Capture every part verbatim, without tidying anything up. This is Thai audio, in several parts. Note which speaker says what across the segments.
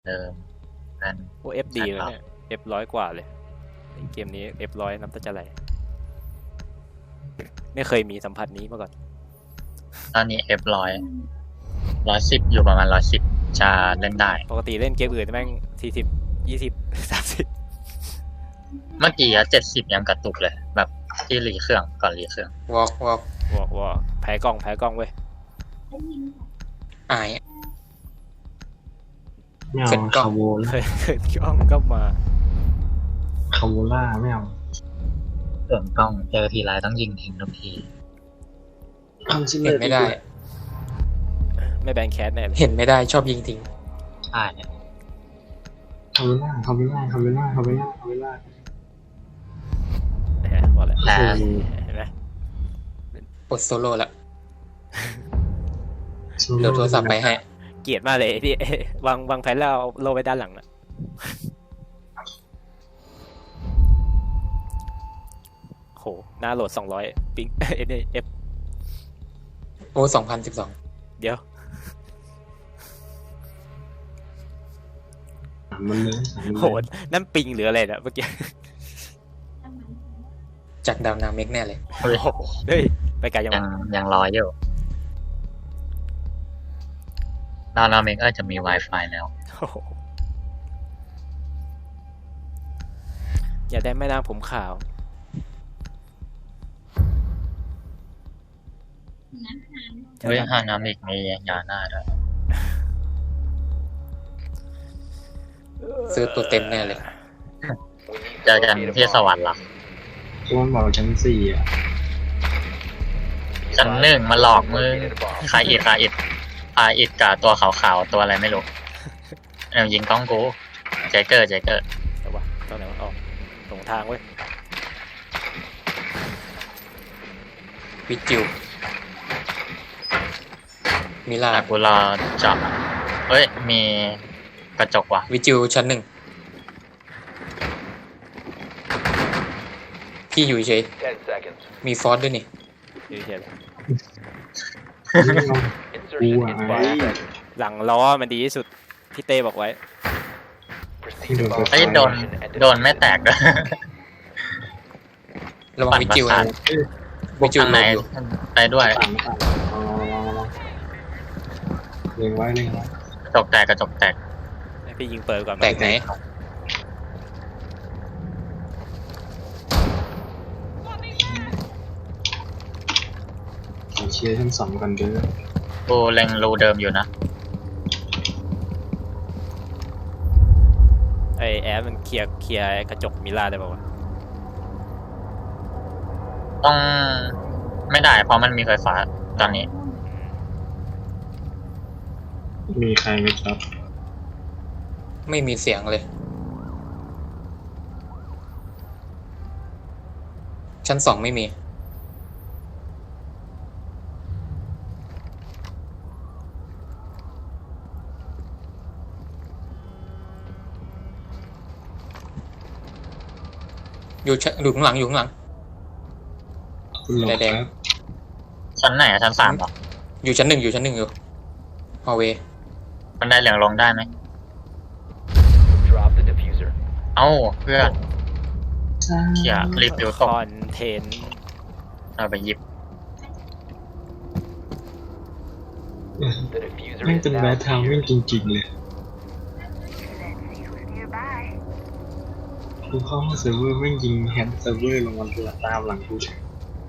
Speaker 1: เดิมนั่น
Speaker 2: โอ้เอฟดีเลยเนี่ยเอฟร้อยกว่าเลยเกมนี้เอฟร้อยน้ำตาจะไหลไม่เคยมีสัมผัสนี้มาก่อน
Speaker 1: ตอนนี้เอฟร้อยร้อยสิบอยู่ประมาณร้อยสิบจะเล่นได้
Speaker 2: ปกติเล่นเกมอื่นแม่งสี่สิบยี่สิบสามสิบ
Speaker 1: เมื่อกี้อะเจ็ดสิบยังกระตุกเลย แบบที่รีเครื่องก่อนรีเครื่อง
Speaker 3: วอล์กวอล์ก
Speaker 2: ว่าว่าแพ้กล้องแพ้กล้องเว้ย
Speaker 3: อาย
Speaker 4: ไม่เอา
Speaker 3: เสร็จกล้อง
Speaker 4: คาโว
Speaker 2: เค
Speaker 4: ล่าย
Speaker 2: เคยกล้องก็มา
Speaker 4: คาโวล่าไม่เอา
Speaker 1: เสื่อมกล้องเจอทีไรต้องยิงทิ้งทุกที
Speaker 4: ทำซิ
Speaker 3: เห็นไม่ได้
Speaker 2: ไม่แบนแคสแน่เลย
Speaker 3: เห็นไม่ได้ชอบยิงทิ้ง
Speaker 1: ใช่
Speaker 4: คาโวล่าคาโวล่าคาโวล่าคาโวล่าคาโวล่า
Speaker 2: แหมบอกแล้ว
Speaker 1: แต่
Speaker 2: เห็นไหม
Speaker 3: ปลดโซโล่ละเดี๋ยวโทรศัพท์ไปให้
Speaker 2: เกลียดมากเลยที่ วางวางแผนแล้วเอาโลไว้ด้านหลังนะโหหน้าโหลดสองร้อยปิง เอเอฟ
Speaker 3: โอ้สองพันสิบสอง
Speaker 2: เดี๋ยว
Speaker 4: สามมันเลยสามมัน
Speaker 2: โห
Speaker 4: เลย
Speaker 2: นั่นปิงหรืออะไรเนี่ยเมื่อกี้
Speaker 3: จากดาวนาเมกแน่เลย
Speaker 1: เฮ้ย
Speaker 2: โอ้โหเฮ้ยไปไกลยัง
Speaker 1: ยัง
Speaker 2: วะ
Speaker 1: ยังรออยู่ดาวนาเมกเออจะมี Wi-Fi แล้ว
Speaker 2: โอ้โหอย่าได้แม่นางผมขาว
Speaker 1: เฮ้ยฮานามิกมียาหน้าด้วย
Speaker 3: ซื้อตัวเต็มแน่เลย
Speaker 1: เจอกันที่สวรรค์หรอ
Speaker 4: ช่วงบอกชั้นสี่อ่ะ
Speaker 1: ชั้นหนึ่งมาหลอกมึงคาอิดคาอิดคาอิดกับตัวขาวๆตัวอะไรไม่รู้เออยิงกล้องกูเจเกอร์เจเกอร์
Speaker 2: แต่ว่าตอนไหนมันออกตรงทางเว้ย
Speaker 3: วิจิวมิลา
Speaker 1: แต่กูรอจับอะเฮ้ยมีกระจกว่ะ
Speaker 3: วิจิวชั้นหนึ่งพี่อยู่เฉย
Speaker 5: Ten seconds.
Speaker 3: มีฟอสด้วยนี่
Speaker 2: เฉยๆเลย
Speaker 5: Insertion in five
Speaker 4: Wow.
Speaker 5: seconds.
Speaker 2: หลังล้อมันดีที่สุดพี่เต้บอกไว้
Speaker 5: Proceed to bomb
Speaker 1: เฮ้ยโดน
Speaker 5: location and
Speaker 1: โดนไม่แตกด้วย
Speaker 3: ระวังวิจิว
Speaker 1: ปั่
Speaker 3: นะ
Speaker 1: นประสาท
Speaker 3: วิจิว
Speaker 1: ทางไหน
Speaker 3: อยู่
Speaker 1: ไปด้วย
Speaker 4: ต่างไม่ต่างลองลองลองลองเล็งไว้เล็งไว้
Speaker 1: กระจกแตกกระจกแตก
Speaker 2: ให้พี่ยิงเปิดก่อน
Speaker 3: แตกไหน
Speaker 4: ขอเชียร์ชั้นสองกันเด้อ
Speaker 1: กูเล็งรูเดิมอยู่นะ
Speaker 2: ไอแอร์มันเคลียร์เคลียร์กระจกมิล่าได้ป่าวะ
Speaker 1: ต้องไม่ได้เพราะมันมีไฟฟ้าตอนนี้
Speaker 4: มีใครไหมครับ
Speaker 3: ไม่มีเสียงเลย ชั้นสองไม่มี อยู่ชั้นอยู่ข้างหลังอยู่ข้างหลัง
Speaker 4: คุณหลอก
Speaker 3: แดง
Speaker 4: ครับ
Speaker 1: ชั้นไหนอะชั้นสามเหรอ
Speaker 3: อยู่ชั้นหนึ่งอยู่ชั้นหนึ่งอยู่ฮอลเวย์
Speaker 1: มันได้เหลืองลงได้ไหม
Speaker 5: drop the diffuser.
Speaker 1: เอ้าเพื่อนเขี่ยรีบดู
Speaker 2: ค
Speaker 1: ตก
Speaker 2: อนเทนต์
Speaker 1: เอาไปหยิบ
Speaker 5: The diffuser
Speaker 4: แม่ง
Speaker 5: is
Speaker 4: เป็นแบ
Speaker 5: now
Speaker 4: ททาววิ่ง
Speaker 5: secured.
Speaker 4: จริงๆเลยกูเข้าห้องเซิร์ฟเวอร์แม่งยิงแฮนด์เซิร์ฟเวอร์ลงมาตามหลังกูเฉย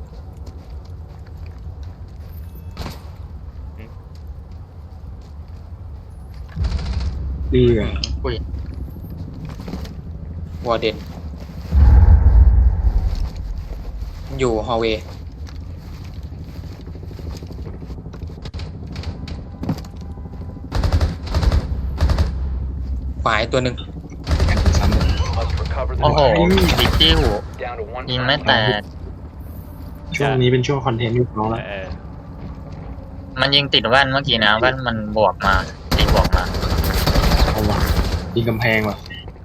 Speaker 4: เอือ
Speaker 1: อุ้ยว
Speaker 3: อร์เดนอยู่ฮอลเวย์ขวาอีกตัวหนึ่ง
Speaker 4: แข่งซ้ำเลย
Speaker 5: Must recover the
Speaker 1: โอ้โห
Speaker 5: diffuser.
Speaker 1: ดิจิ้ว
Speaker 5: Down to one
Speaker 1: ยิงไม่แต
Speaker 5: friendly.
Speaker 1: ก
Speaker 4: ช่วงนี้เป็นช่วงคอนเทนต์ยุคน้องแล้ว
Speaker 2: เออ
Speaker 1: มันยิงติดแว่นเมื่อกี้นะแว่นมันบวกมาตีบวกมา
Speaker 4: เอาว่ะยิงกำแพงว่ะ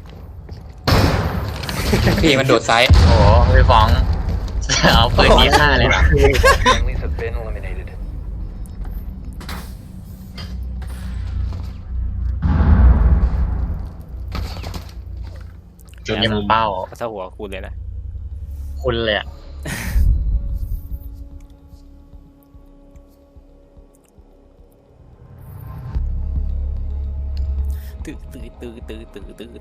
Speaker 3: พี่มันโดดซ้าย
Speaker 1: โอ้โหพี่ฟ้อง เอาปืนนี้ฆ่าเลยเหรอ
Speaker 5: Friendlies have been eliminated.
Speaker 4: เจน
Speaker 1: ยิง
Speaker 4: มุม
Speaker 1: เป้า
Speaker 2: ถ้าหัวคุณเลยนะ
Speaker 1: คุณเลยอะ
Speaker 2: ตื้อตื้อตื้อตื้อตื้อตื้อ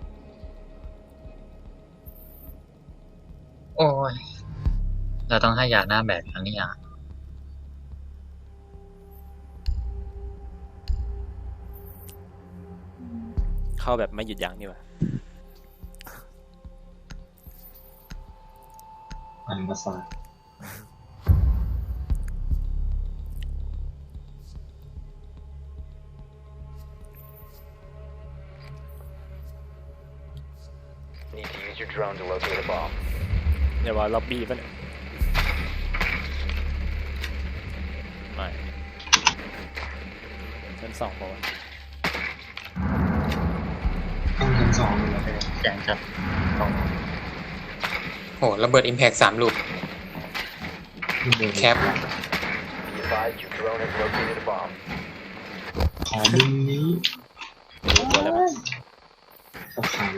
Speaker 1: โอ้ยเราต้องให้ยาหน้าแบกอันนี้อ่ะ
Speaker 2: เข้าแบบไม่หยุดยั้งนี่หว่า
Speaker 4: อันประสาท
Speaker 5: Need to use your drone to locate a bomb.
Speaker 2: เดี๋ยวว่าล็อบบี้ป่ะเนี่ยไม่ชั้นสองบอกว่า
Speaker 4: ต้องชั้นสองเลยนะ
Speaker 1: แจงครับตรง
Speaker 3: โหระเบิดอิมแพกสามลูก แคป
Speaker 5: Be advised your drone has located a bomb.
Speaker 4: ขอมุมนี้
Speaker 2: รู้ตัวแล้วมั้ย
Speaker 4: สถาน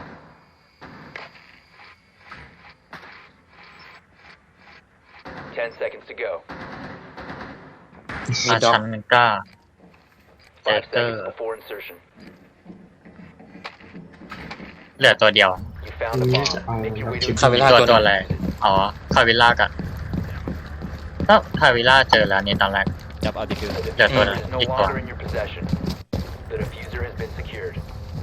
Speaker 5: Ten seconds to go.
Speaker 3: มี
Speaker 1: อา
Speaker 3: ด็อก
Speaker 1: ชันหนึ่งกล้าแจ
Speaker 5: Five
Speaker 1: เกอร์
Speaker 5: seconds before insertion.
Speaker 1: เหลือตัวเดียว
Speaker 5: You found a
Speaker 4: นี้จะเอา
Speaker 5: bomb. Make your way to
Speaker 3: คาเวล่า
Speaker 1: ตัว
Speaker 3: ตัวห
Speaker 1: ตัว
Speaker 3: นึง
Speaker 1: อะไร อ๋อ คาวิล่ากับก็คาวิล่าเจอแล้วนี่ตอนแรก
Speaker 2: จับเอาดิฟิว
Speaker 5: The
Speaker 1: เหลือตัวนึง
Speaker 5: diffuser is no
Speaker 1: อีกตัว
Speaker 5: longer in your possession. The diffuser has been secured.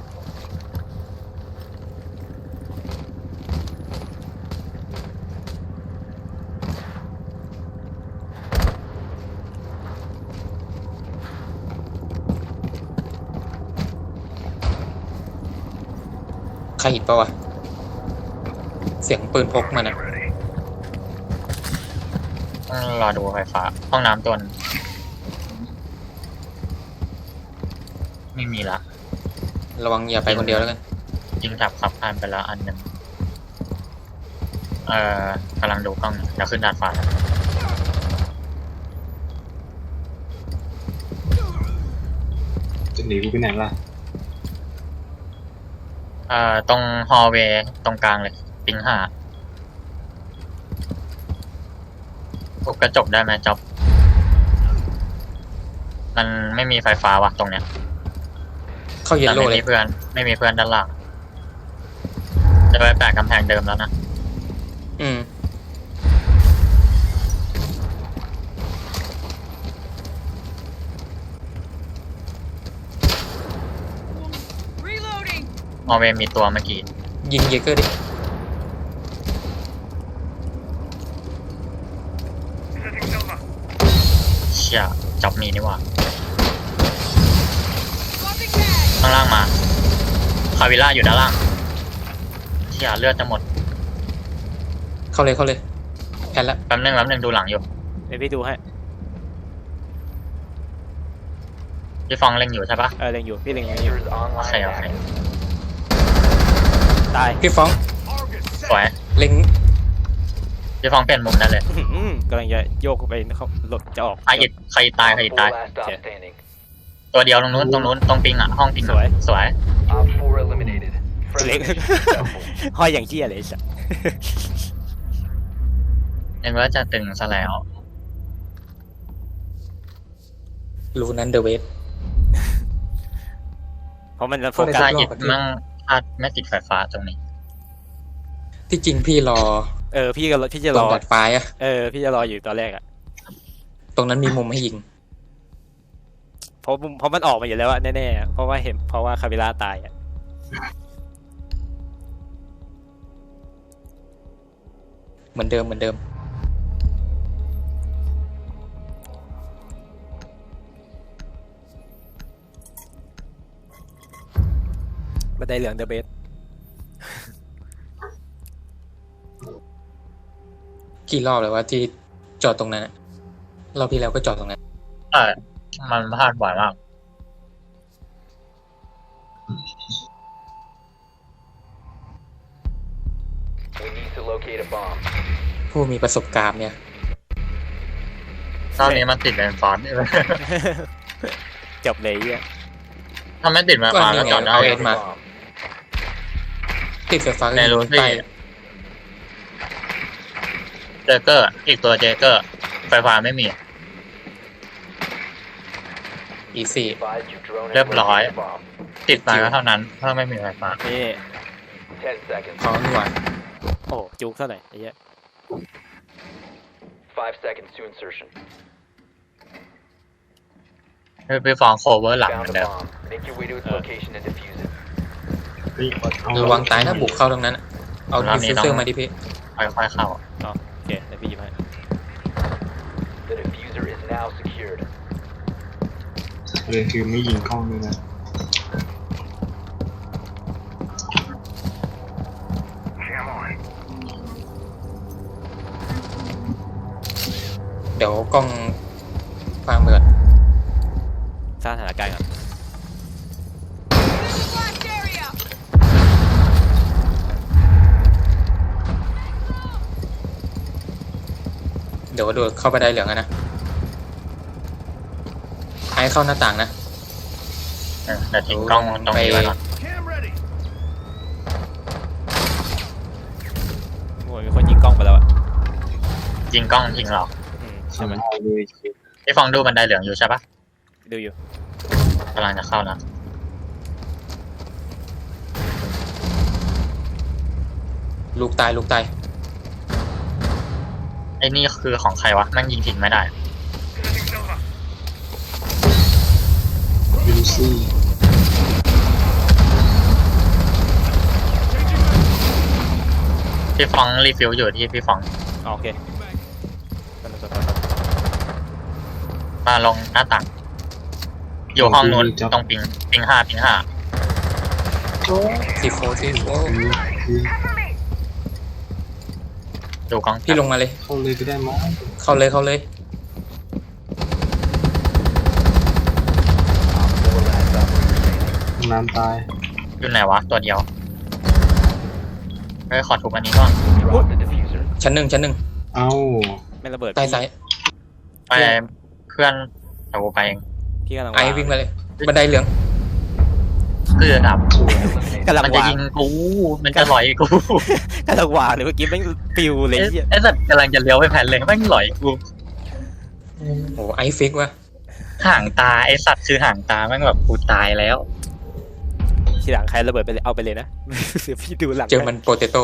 Speaker 3: ใครหิดปะวะ เสียงปืนพกมันอะ
Speaker 1: ต้องรอดูไฟฟ้า ห้องน้ำตัวนึงไม่มีละ
Speaker 3: ระวังอย่าไปคนเดียวแล้วกัน
Speaker 1: ยิงถับขับผ่านไปแล้วอันหนึ่งเอ่อกำลังดูกล้องอยู่เดี๋ยวขึ้นดาดฟ้าแล้ว
Speaker 4: จะหนีกูไปไหนล่ะ
Speaker 1: เอ่อตรงฮอลเวย์ตรงกลางเลย ปิงห้าทุบกระจกได้ไหมจ๊อบ มันไม่มีไฟฟ้าวะตรงเนี้ย
Speaker 3: เข้าเยล
Speaker 1: แต่
Speaker 3: โล่
Speaker 1: ไม่
Speaker 3: เล
Speaker 1: มี
Speaker 3: ย
Speaker 1: เพื่อน ไม่มีเพื่อนด้านล่าง จะไปแปะกำแพงเดิมแล้วนะ
Speaker 3: อืม
Speaker 1: ฮอลเวย์มีตัวเมื่อกี้
Speaker 3: ยิงเยเกอร์ดิ
Speaker 1: เชี่ยจ๊อบมีนี่หว่าข้างล่างมา คาวิล่าอยู่ด้านล่าง เชี่ยเลือดจะหมด
Speaker 3: เข้าเลยเข้าเลยแพ้ละ
Speaker 1: แป๊บนึงแป๊บนึงดูหลังอยู่
Speaker 2: เดี๋ยวพี่ดูให้
Speaker 1: พี่ฟองเล็งอยู่ใช่ปะ
Speaker 2: เออเล็งอยู่พี่เล็งอยู่
Speaker 5: Diffuser is
Speaker 1: โอ
Speaker 5: online
Speaker 1: เค
Speaker 5: and
Speaker 1: โอเค
Speaker 5: active.
Speaker 2: ตาย
Speaker 3: พี่ฟ้อง
Speaker 1: สวย
Speaker 3: เล็ง
Speaker 1: พี่ฟองเปลี่ยนมุมได้เลย
Speaker 2: อื้อหือกำลังจะโยกไปเขาหลดจะออก
Speaker 1: ใครอิดใครตายใคร
Speaker 5: Op
Speaker 1: ตาย
Speaker 5: four last stop
Speaker 2: Okay.
Speaker 5: standing.
Speaker 1: ตัวเดียวตรงนู้นตรงนู้นตรงปิงอ่ะห้องปิง
Speaker 2: สวย
Speaker 1: อะสวย
Speaker 5: Op four eliminated.
Speaker 2: เล็
Speaker 5: Friendly
Speaker 2: ง
Speaker 5: mission successful.
Speaker 2: ห้อยอย่างเชี่ยเลยสัส
Speaker 1: เห็นว่าจะตึงซะแล้ว
Speaker 3: รูนั้นเดอะเวฟ
Speaker 2: เพราะมันจะโฟ
Speaker 3: ได้
Speaker 2: กัส
Speaker 3: สั
Speaker 1: ซาก
Speaker 3: รอบ
Speaker 1: อิด
Speaker 3: อะพี่
Speaker 1: มั่งพลาดไม่ติดไฟฟ้าตรงนี้
Speaker 3: ที่จริงพี่รอ
Speaker 2: เออพี่ก็พี่จะ
Speaker 3: ต
Speaker 2: ร
Speaker 3: ร
Speaker 2: อง
Speaker 3: ดัดฟ้าอะ
Speaker 2: เออพี่จะรออยู่ตอนแรกอะ
Speaker 3: ตรงนั้นมีมุมให้ยิง
Speaker 2: เพราะเพราะมันออกมาอยู่แล้วอะแน่ๆอะเพราะว่าเห็นเพราะว่าคาเวล่าตายอะ
Speaker 3: เหมือนเดิมเหมือนเดิม
Speaker 2: บันไดเหลืองเดอะเบส
Speaker 3: กี่รอบเลยว่าที่จอดตรงนั้นอะรอบที่แล้วก็จอดตรงนั้น
Speaker 1: เออมันพลาดบ่อยมาก
Speaker 5: We need to locate a bomb.
Speaker 3: ผู้มีประสบการณ์เนี่ย
Speaker 1: ตอนนี้มันติดเป็นฟอนต์
Speaker 2: จบเลยอ่ะ
Speaker 1: ถ้าไม่ติดมา
Speaker 3: ก็
Speaker 1: ฟ้า
Speaker 3: นี่
Speaker 1: ก็
Speaker 3: ไง
Speaker 1: จอดได้
Speaker 3: เอา
Speaker 5: Found
Speaker 3: เอ็
Speaker 5: a
Speaker 3: มา
Speaker 5: bomb.
Speaker 3: ติดไฟฟ้า
Speaker 1: ในรูที่
Speaker 3: ใต้
Speaker 1: เจเกอร์ อีกตัวเจเกอร์ ไฟฟ้าไม่มี
Speaker 3: อีสี่
Speaker 5: Advise your drone has
Speaker 1: เรียบร้อย
Speaker 5: located a bomb.
Speaker 1: ติดมาก็เท่านั้น ถ้าไม่มีไฟฟ้า
Speaker 2: นี่
Speaker 5: Ten seconds.
Speaker 3: เขาหน่วย
Speaker 2: โอ้จุกเท่าไหร่ไอ้เหี้ย
Speaker 5: Five seconds to insertion.
Speaker 1: พี่พี่ฟองโคเวอร์หลังเหมื
Speaker 5: Found
Speaker 1: อน
Speaker 5: a
Speaker 1: เดิม
Speaker 5: bomb. Make your way to its
Speaker 2: Uh.
Speaker 5: location and defuse it.
Speaker 4: เฮ้ยเอา
Speaker 3: ระวังตายถ้าบุกเข้าตรงนั้นอะเอา
Speaker 1: รอบ
Speaker 3: ดิฟ
Speaker 1: นี้
Speaker 3: ฟิว
Speaker 1: ต้อง
Speaker 3: เซอร์มาดิพี่
Speaker 1: ค่อยๆเข้า
Speaker 2: อ๋อโอเคเดี๋ยวพี่หยิบให้
Speaker 5: The diffuser is now secured.
Speaker 4: เลยคือไม่ยิงกล้องด้วยนะ
Speaker 3: เดี๋ยวกล้องฟังเมือน
Speaker 2: สร้างสถานการณ์ก่อน
Speaker 3: เดี๋ยวโดดเข้าไปได้เหลืองอะนะไอ้เข้าหน้าต่างนะ
Speaker 1: เออเดี๋ยวทิ้งกล้องตรงนี้ไว้ก่อน
Speaker 2: โอ้ยมีคนยิงกล้องไปแล้วอ่ะ
Speaker 1: ยิงกล้องยิงเรา
Speaker 2: อืม
Speaker 4: ทำ
Speaker 2: ใช่ไหม
Speaker 4: เอาเลย
Speaker 1: พี่ฟองดูบันไดเหลืองอยู่ใช่ปะ
Speaker 2: ดูอยู่
Speaker 1: กำลังจะเข้านะ
Speaker 3: ลูกตายลูกตาย
Speaker 1: ไอ้นี่คือของใครวะแม่งยิงทิ้งไม่ได้
Speaker 4: วิลซี่
Speaker 1: พี่ฟองรีฟิลอยู่ที่พี่ฟอง
Speaker 2: อ๋อโอเคกันต่อต่อ
Speaker 1: มาลงหน้าต่าง อยู่ห้องนู้นตรงปิงปิงห้าปิงห้า
Speaker 3: ซีโฟซีโฟ
Speaker 4: คือ
Speaker 1: ดูกล้อง
Speaker 3: พี่ลงมาเลย
Speaker 4: เข้าเลยก็ได้มั้ง
Speaker 3: เข้าเลยเข้าเลย
Speaker 5: Four last operator standing.
Speaker 4: น้ำตาย
Speaker 1: อยู่ไหนวะตัวเดียวเฮ้ยขอถูกอันนี้ก่อน
Speaker 5: Drop the diffuser.
Speaker 3: ชั้นหนึ่งชั้นหนึ่ง
Speaker 4: เอ้า
Speaker 2: ไม่ระเบิด
Speaker 3: ใต้ซ้าย
Speaker 1: ไปเพื่อนเอากูไปเอง
Speaker 2: พี่กำลัง
Speaker 3: ไอ้วิ่งมาเลย บันไดเหลือง
Speaker 1: เกือบ
Speaker 5: Eliminated.
Speaker 2: กำลัง
Speaker 1: มันจะ
Speaker 2: วาง
Speaker 1: ยิงกู มันจะหลอยกู
Speaker 2: กำลังวางเลยเมื่อกี้แม่งปิวเลย
Speaker 1: ไอ้
Speaker 2: ไอ้เหี้ย
Speaker 1: ไอ้สัตว์กำลังจะเลี้ยวไปแผ่นเลยแม่งหลอยกู
Speaker 3: โอ้ไอฟิกวะ
Speaker 1: ห่างตาไอ้สัตว์คือห่างตาแม่งแบบกูตายแล้ว
Speaker 2: ทีหลังใครระเบิดไปเลยเอาไปเลยนะ เดี๋ยวพี่ดูหลัง
Speaker 3: เจอมันโปเตโต้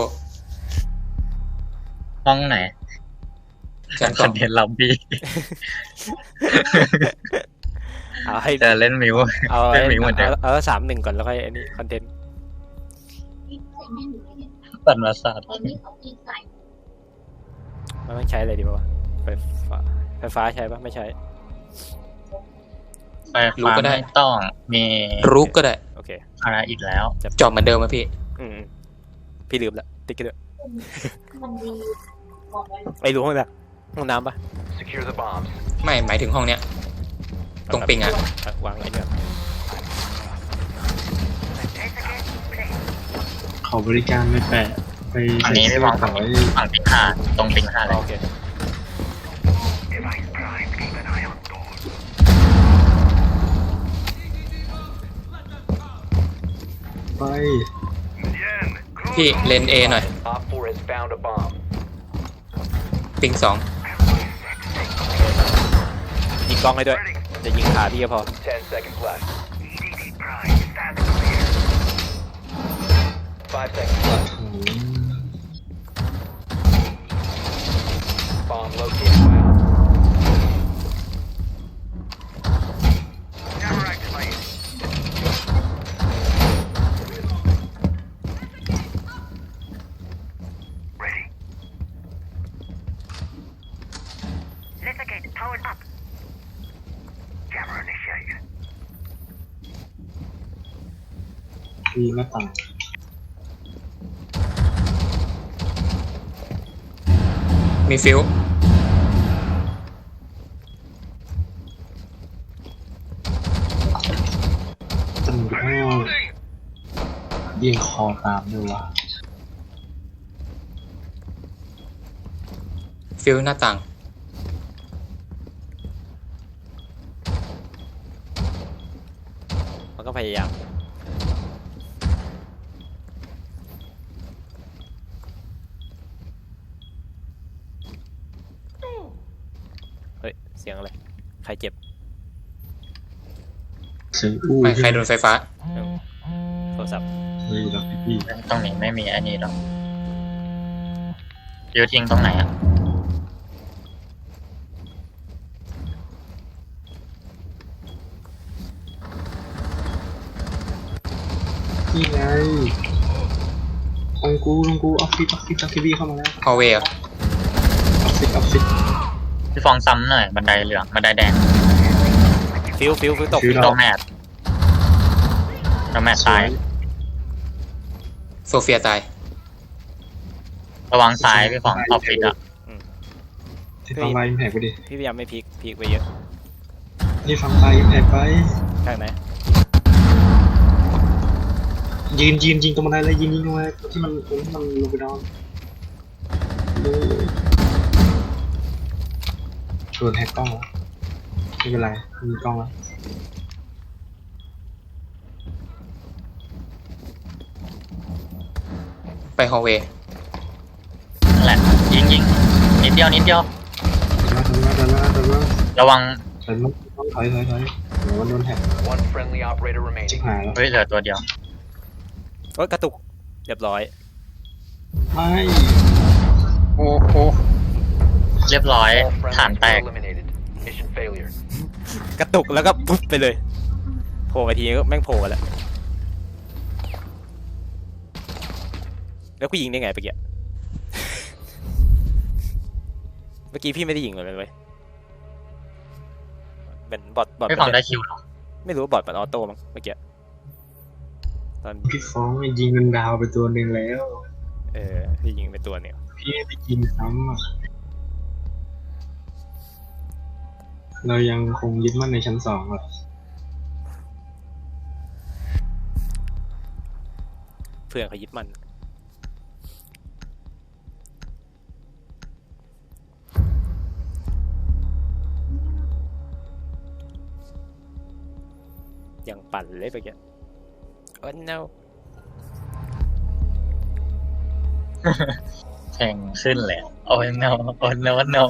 Speaker 1: ห้องไหน
Speaker 3: ชั้น
Speaker 1: ค
Speaker 3: สอ
Speaker 1: อง นเทนต์ล็อบบี้
Speaker 2: เอาให้
Speaker 1: จะเล่นมิว
Speaker 2: เอา
Speaker 1: เล่นมิวเหมือนเดิม
Speaker 2: เอาเอาสามหนึ่งก่อนแล้วค่อยอันนี้คอนเทนต์
Speaker 1: สันมาศาสตร์
Speaker 2: มันไม่ใช้อะไรดีป่าวะไฟฟ้าไฟฟ้าใช้ปะไม่ใช้
Speaker 1: ไฟฟ้าไม่ต้องมี
Speaker 3: รุกก็ได้
Speaker 2: โอเค
Speaker 1: อะไรอีกแล้ว
Speaker 3: จอบเหมือนเดิมอะพี่
Speaker 2: อืมๆพี่ลืมละติ๊กกันด้วยไอ้รู้ห้องน้ำห้องน้ำปะ
Speaker 5: Secure the bombs.
Speaker 3: ไม่หมายถึงห้องเนี้ย ตรงปิงอะ
Speaker 2: เวางไอ้เนี่ย
Speaker 4: เขาบริการไม่แปะไป
Speaker 1: อัน
Speaker 4: ใส่
Speaker 1: นี้ไม่
Speaker 4: เสื้อ
Speaker 1: วาง
Speaker 4: ต่
Speaker 1: ฝั่
Speaker 4: อง ไว้
Speaker 1: ฝั่งปิงห้าตรงปิงห้าเล
Speaker 2: อ๋อย โอเค
Speaker 4: ไป
Speaker 3: พี่เลนเอหน่อย
Speaker 5: Op four has found a bomb.
Speaker 3: ปิงสอง
Speaker 2: ยิงกล้องให้ด้วยจะยิงขาพี่ก็พอ
Speaker 5: Ten seconds left. Five seconds left.
Speaker 4: โอ้โห
Speaker 5: Bomb located by Op.
Speaker 6: Litigate powered up. Camera initiated.
Speaker 4: มีหน้าต่าง
Speaker 3: มีฟิว
Speaker 4: ตำรวจเบี่ยงคอตามด้วยว่ะ
Speaker 3: ฟิวหน้าต่าง
Speaker 2: มันก็พยายามเสียงอะไรใครเจ็บ
Speaker 4: เสียงอู้
Speaker 3: ไม่ใครโดนไฟฟ้า
Speaker 2: โทรศัพท์
Speaker 4: เฮ้ยแล้วพี่
Speaker 1: ตรงนี้ไม่มีอันนี้หรอกยูทิ้งตรงไหนอ่ะ
Speaker 4: นี่ไงของกูของกูออฟฟิศออฟฟิศออฟฟิศเข้ามาแล้ว
Speaker 3: ฮอลเวย์
Speaker 4: ออฟฟิศออฟฟิศ
Speaker 1: พี่ฟองซ้ำหน่อยบันไดเหลืองบันไดแดง
Speaker 2: ฟิวฟิวฟิวตก
Speaker 4: ฟิว
Speaker 1: โดแมทโดแมทตาย
Speaker 3: โซเฟียตาย
Speaker 1: ระวังซ้ายพี่ฟองออฟฟิศอ่ะ
Speaker 4: ที่ฟังไลน์อิมแพกไปดิ
Speaker 2: พี่พยายามไม่พลิกพลิกไปเยอะ
Speaker 4: ที่ฟังไลน์อิมแพกไป
Speaker 2: ข้างไหน
Speaker 4: ยืนยืนยิงตรงบันไดเลยยิงยิงตรงบันไดที่มันตรงที่มันลงไปนอนเลยโดนแฮกกล้องแล้วไม่เป็นไรมีกล้องแล้ว
Speaker 3: ไปฮอลเวย์
Speaker 1: นั่นแหละยิงยิงนิดเดียวนิดเดียว
Speaker 4: เดินมาเดินมาเดินมา
Speaker 1: ระวัง
Speaker 4: เดินมาต้องถอยถอยถอยเดี๋ยวมันโดนแฮก
Speaker 5: One friendly operator
Speaker 4: ชิบ
Speaker 5: remaining.
Speaker 4: หายแล้ว
Speaker 1: เฮ้ยเหลือตัวเดียว
Speaker 2: โอ๊ยกระตุกเรียบร้อย
Speaker 4: ไม่
Speaker 1: โอ้โหเรียบร้อย
Speaker 5: All
Speaker 1: ฐาน
Speaker 5: friendlies
Speaker 1: แต
Speaker 5: were
Speaker 1: ก
Speaker 5: eliminated. Mission failure.
Speaker 2: กระตุกแล้วก็ปุ๊บไปเลยโผล่ไปทีก็แม่งโผล่แล้วแล้วกูยิงได้ไงเมื่อกี้ เมื่อกี้พี่ไม่ได้ยิงเลยเว้ยเป็นบอทบอท
Speaker 1: ไม่ฟองได้คิวหรอ
Speaker 2: ไม่รู้ว่าบอทมันออโต้มั้งเมื่อกี้ตอน
Speaker 4: พี่ฟ้องยิงเงินดาวไปตัวหนึ่งแล้ว
Speaker 2: เออพี่ยิงไปตัวเนี่ย
Speaker 4: พี่ไม่ได้ยิงซ้ำอ่ะเรายังคงยึดมั่นในชั้นสองอ่ะ
Speaker 2: เพื่อนเขายึดมันยังปั่นเลยเมื่อกี้โอ้ no
Speaker 1: แทงขึ้นเลยโอ้ย no โอ้ย no no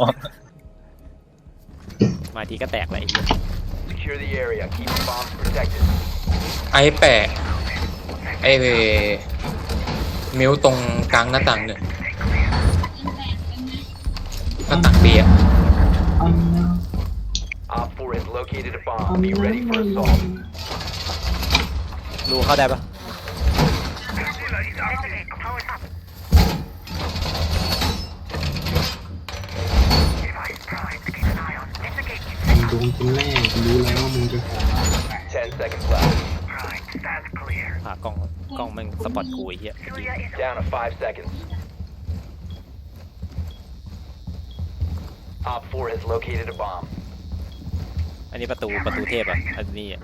Speaker 2: มาทีก็แตกเลยไอ้เหี้ย
Speaker 5: Secure the area. Keep the bombs protected.
Speaker 3: ไอ้แปะไอ้มิวตรงกลางหน้าต่างหนึ่งหน้าต่างเบียร์
Speaker 4: อันนะ
Speaker 5: Op four has located a
Speaker 4: อั
Speaker 5: bomb.
Speaker 4: น
Speaker 5: Be
Speaker 4: นะ
Speaker 5: ready for assault.
Speaker 2: รูเข้าได้ปะ
Speaker 6: Investigate. Powered up. Device primed. Keep an eye on. Investigate.
Speaker 4: มึงโดนคนแรกกูรู้แล้วว่ามึงจะขอ
Speaker 5: Ten seconds left.
Speaker 6: Primed. Stand clear.
Speaker 2: ผ่ากล้องกล้องแม่งสปอตกูไอ้เหี้ย
Speaker 6: Julia is
Speaker 5: Down to five seconds. Op four has located a bomb.
Speaker 2: อันนี้ประตูประตูเทพอ่ะอันนี้อ่ะ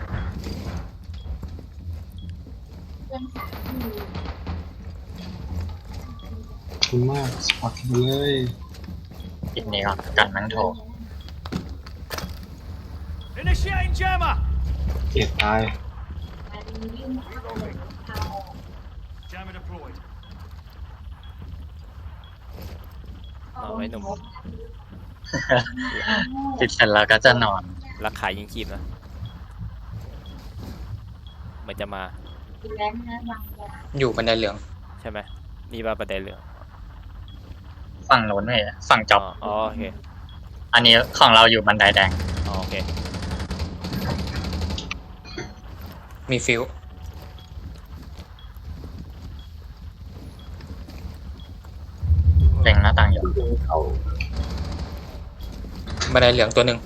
Speaker 4: ขอบคุณมากสปอร์ตไปเลย
Speaker 1: อีกนี้ก่อนกันนั่งโถ
Speaker 6: Initiating jammer.
Speaker 4: เกลียดตาย
Speaker 6: Jammer deployed.
Speaker 2: เอาไว้หนุ่ม
Speaker 1: ปิดเสร็จแล้วก็จะนอน
Speaker 2: รักขายยิงคีบนะมันจะมา
Speaker 3: อยู่บันไดเหลือง
Speaker 2: ใช่ไหมนี่ว่าประเด็นเหลือง
Speaker 1: ฝั่งโน้นไม่ฝั่งจ็อบ
Speaker 2: อ๋อโอเค
Speaker 1: อันนี้ของเราอยู่บันไดแดง
Speaker 2: อ๋อโอเค
Speaker 3: มีฟิว
Speaker 1: เล็งหน้าต่างอยู่
Speaker 4: เขา
Speaker 3: บันไดเหลืองตัวหนึ่ง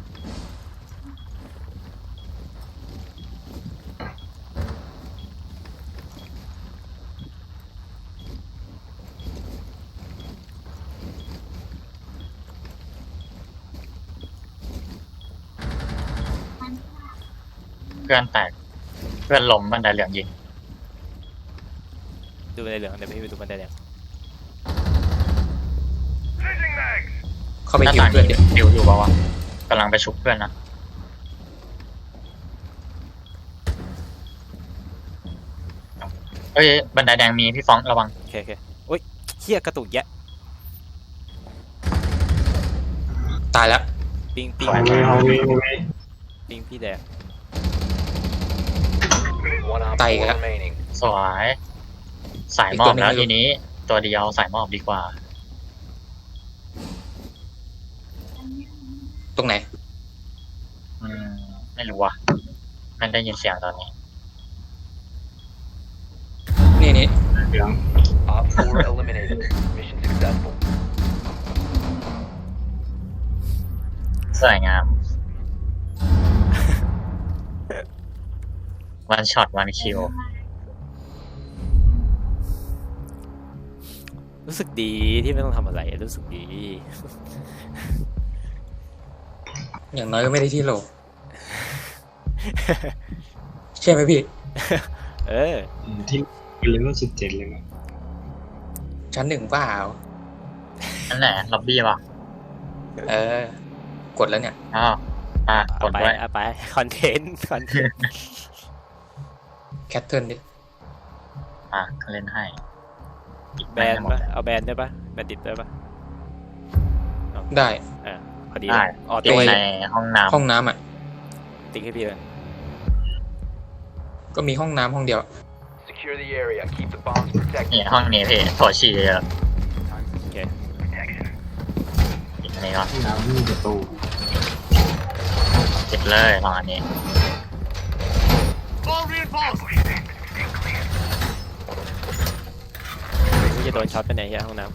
Speaker 1: เพื่อนแตก เพื่อนล้มบันไดเหลืองยิง
Speaker 2: ดูบันไดเหลืองเดี๋ยวพี่ไปดูบันไดแดง
Speaker 6: Changing mags.
Speaker 3: เข้าไป
Speaker 1: หน้า
Speaker 3: ฮิว
Speaker 1: ต่าง
Speaker 3: เพื่อน
Speaker 1: นี้
Speaker 3: เดี๋ยว
Speaker 1: ดิวอยู่เปล่าวะกำลังไปชุบเพื่อนนะเอ้ยบันไดแดงมีพี่ฟ้องระวัง
Speaker 2: โอเคโอเคโอ้ยเฮียกระตุกแยะ
Speaker 3: ตายแล้ว
Speaker 2: ปิงปิง
Speaker 4: เอาเลยเอาเลยเอาเลย
Speaker 2: ปิงพี่แดก
Speaker 5: One op
Speaker 3: Tay
Speaker 5: four
Speaker 3: kìa.
Speaker 5: remaining.
Speaker 1: สวยสายหมอบแล้วทีนี้ ตัวเดียวสายหมอบดีกว่า
Speaker 3: ตรงไหน
Speaker 1: อืม ไม่รู้ว่ะไม่ได้ยินเสียงตอนนี้
Speaker 3: นี่นี่
Speaker 4: เหลือง
Speaker 5: Op four eliminated. Mission successful.
Speaker 1: สวยงาม วันช็อตวันคิว
Speaker 2: รู้สึกดีที่ไม่ต้องทำอะไรรู้สึกดี
Speaker 3: อย่างน้อยก็ไม่ได้ที่โหล ใช่ไหมพี่
Speaker 2: เออ
Speaker 4: ที่เลเวลสิบเจ็ดเลยมั้ง
Speaker 3: ชั้นหนึ่งเปล่า
Speaker 1: นั่นแหละล็อบบี้ป่ะ
Speaker 3: เออ กดแล้วเนี่ย
Speaker 1: อ้าวอ่ะก
Speaker 2: เอา
Speaker 1: ด
Speaker 2: ไป
Speaker 1: ด้วย
Speaker 2: เอาไปคอนเทนต์คอนเทนต์
Speaker 3: แคทเทิร์นดิ
Speaker 1: อ่ะเล่นให้
Speaker 2: แบนปะเอาแบนได้ปะแบนติดได้ปะ
Speaker 3: ได้
Speaker 2: อ่าพอดี
Speaker 1: ได้
Speaker 2: ออ
Speaker 1: ติ
Speaker 2: โต้
Speaker 1: ดในห้องน้
Speaker 3: ห้องน้ำอ่ะ
Speaker 2: ติ๊กให้พี่เลย
Speaker 3: ก็มีห้องน้ำห้องเดียว
Speaker 5: Secure the area. Keep the bombs
Speaker 1: ำนี่
Speaker 5: protected.
Speaker 1: ห้องนี้พี่ถั่วฉี่เยอะ
Speaker 2: โอเค
Speaker 1: ปิดอันนี้ก่อน
Speaker 4: ห้องน้ำไม่มีประตู
Speaker 1: ปิดเลยห้องอันนี้
Speaker 6: All reinforced.
Speaker 2: พี่จะโดนช็อตไปไหนเฮียห้องน้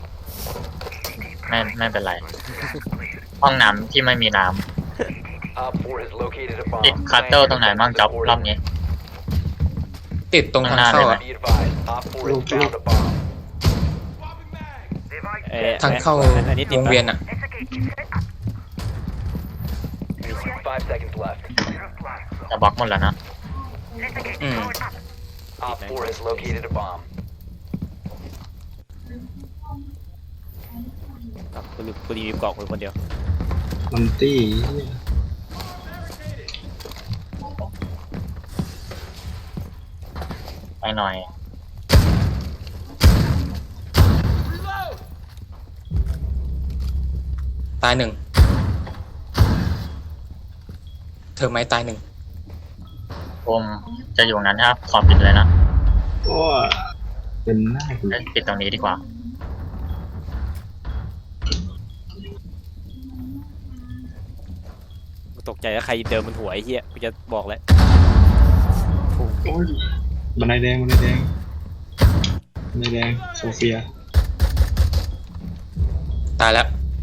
Speaker 1: ไม่ไม่เป็นไร ห้องน้ำที่ไม่มีน้
Speaker 5: Op four has located a
Speaker 1: ำติด
Speaker 5: bomb.
Speaker 1: คัตเตอร์ตรงไหนบ้างจ๊อบรอบนี้
Speaker 3: ติดตรงทางเข้าอ่ะ
Speaker 5: Be advised. Op four has found a bomb.
Speaker 2: ำเอ้ย
Speaker 3: ทางเข้า
Speaker 2: อันนี้ติด
Speaker 3: วง
Speaker 2: ปะ
Speaker 3: เวียนอ่ะ
Speaker 5: Five seconds left.
Speaker 1: จะบล็อกหมดแล้วนะ
Speaker 3: อืม
Speaker 5: Op four has located a bomb.
Speaker 2: ครับกูรีกูรีวิวกล่องคนเดียว
Speaker 4: มันตี้
Speaker 1: ไปหน่อย
Speaker 3: ตายหนึ่ง เธอไหมตายหนึ่ง
Speaker 1: ผมจะอยู่งั้นครับ ขอปิดเลยนะ
Speaker 4: โอ้เป็นหน้ากู
Speaker 1: เอ้ยปิดตรงนี้ดีกว่า
Speaker 2: กูตกใจว่าใครเดินบนหัวไอ้เหี้ยกูจะบอกแล้ว
Speaker 4: โอ้ยบันไดแดงบันไดแดงบันไดแดงโซเฟีย
Speaker 3: ตายแล้ว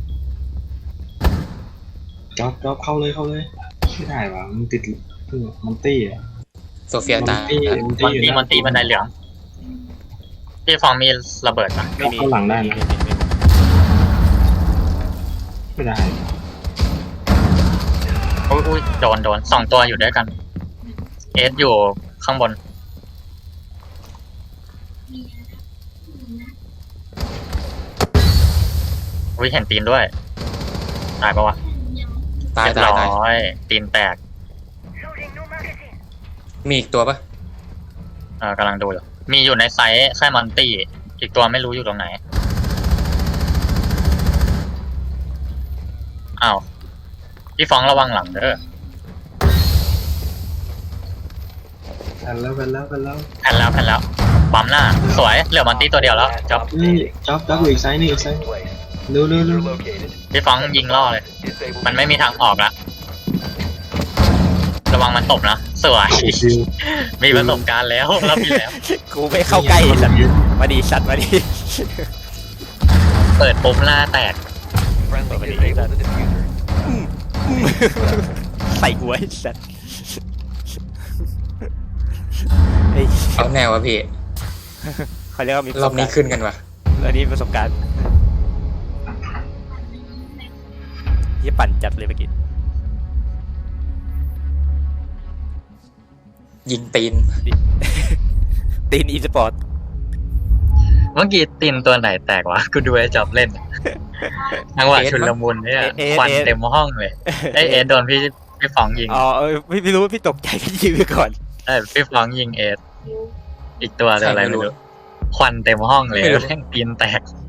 Speaker 4: จ๊อบจ๊อบเข้าเลยเข้าเลยไม่ได้วะมันติดมันตี้อ่ะ
Speaker 3: โซเฟีย
Speaker 4: มัน
Speaker 3: ตาย
Speaker 4: ตี้
Speaker 3: แล้ว
Speaker 4: มัน
Speaker 1: ม
Speaker 4: ตี้
Speaker 1: อน
Speaker 4: อยู่
Speaker 1: ตี
Speaker 4: นะ
Speaker 1: มอนตีบันไดเหลือง พี่ฟองมีระเบิดนะ
Speaker 2: ไม่มี
Speaker 4: เข้าหลังได้นะ
Speaker 2: ม่มีไม่มี
Speaker 4: ไม่ได้
Speaker 1: อุ้ยอุ้ยโดนโดนสองตัวอยู่ด้วยกัน เอสอยู่ข้างบน อุ้ยเห็นตีนด้วย ตายปะวะ
Speaker 3: ตาย
Speaker 1: เรียบ
Speaker 3: ตาย
Speaker 1: ร้
Speaker 3: ตาย
Speaker 1: อยตีนแตก
Speaker 3: มีอีกตัวปะ
Speaker 1: เออกำลังดูอยู่ มีอยู่ในไซส์แค่มอนตี้ อีกตัวไม่รู้อยู่ตรงไหน อ้าว พี่ฟองระวังหลังเด้อ
Speaker 4: แผ่นแล้วแผ่นแล้วแผ่นแล้ว
Speaker 1: แผ่นแล้วแผ่นแล้วปั๊มหน้า สวย เหลือมอนตี้ตัวเดียวแล้วจ๊อบ
Speaker 4: นี่จ๊อบจ๊อบอยู่อีกไซส์นี่อีกไซส์
Speaker 5: Place.
Speaker 4: เร็วเร็วเร็ว
Speaker 5: User located.
Speaker 1: พี่ฟองยิงล่อเลย
Speaker 5: Disable
Speaker 1: มันไม่มีทางออกละระวังมันตบนะ สวย
Speaker 4: ซิล
Speaker 1: มีประสบการณ์แล้วรับอยู่แล้ว
Speaker 2: กูไม่เข้าใกล้ไอ้สัตว์มาดีสัตว์มาดี
Speaker 1: เปิดปุ๊บหน้าแตก
Speaker 5: Friendly
Speaker 2: Nobody
Speaker 5: disable
Speaker 2: did
Speaker 5: the diffuser.
Speaker 2: ใส่หัวไอ้สัตว์ไอ้
Speaker 3: เอาแนววะพี่
Speaker 2: เขาเรียกว่ามีประ
Speaker 3: ร
Speaker 2: ส
Speaker 3: อบบ นี้
Speaker 2: การณ์
Speaker 3: ขึ้นกันวะ
Speaker 2: อันนี้ประสบการณ์ยี่ปั่นจัดเลยเมื่อกี้
Speaker 3: ยิงตีน
Speaker 2: ตีนอีสปอร์ต
Speaker 1: เมื่อกี้ตีนตัวไหนแตกวะ กูดูไอ้จอบเล่นจังหวะชุลมุนเนี่ยควันเต็มห้องเลยไอเอสโดนพี่พี่ฟองยิง
Speaker 2: อ๋อเออพี่ไม่รู้พี่ตกใจพี่ยิงไปก่อน
Speaker 1: เออพี่ฟองยิงเอส อีกตัวตัวอะไร
Speaker 3: ใครไม่
Speaker 1: ไม่
Speaker 3: รู้
Speaker 1: รู้ ควันเต็มห้องเลย
Speaker 3: ไม่รู้
Speaker 1: แม่งตีนแตก